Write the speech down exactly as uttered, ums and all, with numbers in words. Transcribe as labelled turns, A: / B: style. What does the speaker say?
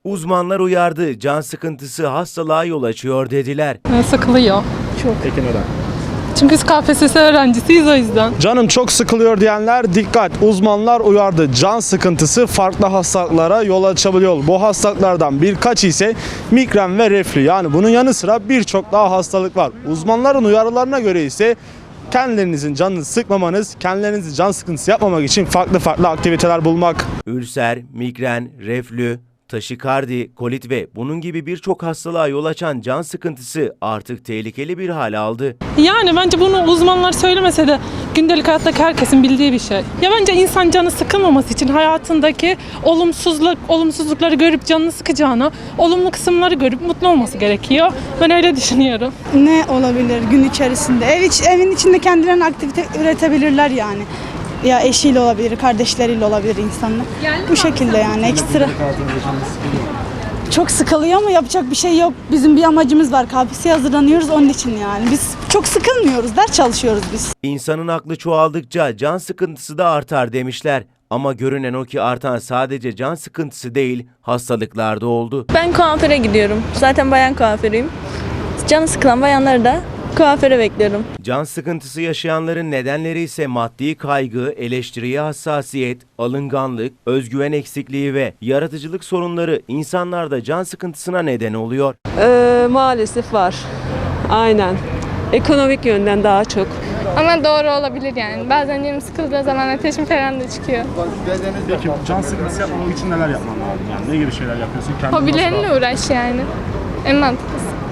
A: Uzmanlar uyardı, can sıkıntısı hastalığa yol açıyor dediler.
B: Sıkılıyor.
C: Peki neden?
B: Çünkü biz K P S S öğrencisiyiz o yüzden.
C: Canım çok sıkılıyor diyenler dikkat. Uzmanlar uyardı. Can sıkıntısı farklı hastalıklara yol açabiliyor. Bu hastalıklardan birkaç ise migren ve reflü. Yani bunun yanı sıra birçok daha hastalık var. Uzmanların uyarılarına göre ise kendilerinizin canını sıkmamanız, kendilerinizi can sıkıntısı yapmamak için farklı farklı aktiviteler bulmak.
A: Ülser, migren, reflü, taşikardi, kolit ve bunun gibi birçok hastalığa yol açan can sıkıntısı artık tehlikeli bir hal aldı.
B: Yani bence bunu uzmanlar söylemese de gündelik hayattaki herkesin bildiği bir şey. Ya bence insan canı sıkılmaması için hayatındaki olumsuzluk, olumsuzlukları görüp canını sıkacağına olumlu kısımları görüp mutlu olması gerekiyor. Ben öyle düşünüyorum.
D: Ne olabilir gün içerisinde? Ev iç, evin içinde kendilerine aktivite üretebilirler yani. Ya eşiyle olabilir, kardeşleriyle olabilir insanlar. Bu şekilde yani ekstra. Çok sıkılıyor ama yapacak bir şey yok. Bizim bir amacımız var. K P S S'ye hazırlanıyoruz onun için yani. Biz çok sıkılmıyoruz. Ders çalışıyoruz biz.
A: İnsanın aklı çoğaldıkça can sıkıntısı da artar demişler. Ama görünen o ki artan sadece can sıkıntısı değil, hastalıklar da oldu.
E: Ben kuaföre gidiyorum. Zaten bayan kuaförüyüm. Canı sıkılan bayanları da kuaföre bekliyorum.
A: Can sıkıntısı yaşayanların nedenleri ise maddi kaygı, eleştiriye hassasiyet, alınganlık, özgüven eksikliği ve yaratıcılık sorunları insanlarda can sıkıntısına neden oluyor.
F: Ee, maalesef var. Aynen. Ekonomik yönden daha çok.
G: Ama doğru olabilir yani. Bazen canım sıkıldığı zaman ateşim falan da çıkıyor.
C: Peki can sıkıntısı yapmamak için neler yapman lazım? Yani ne gibi şeyler yapıyorsun? Kendini
G: Hobilerinle uğraş yani. En mantıklısı.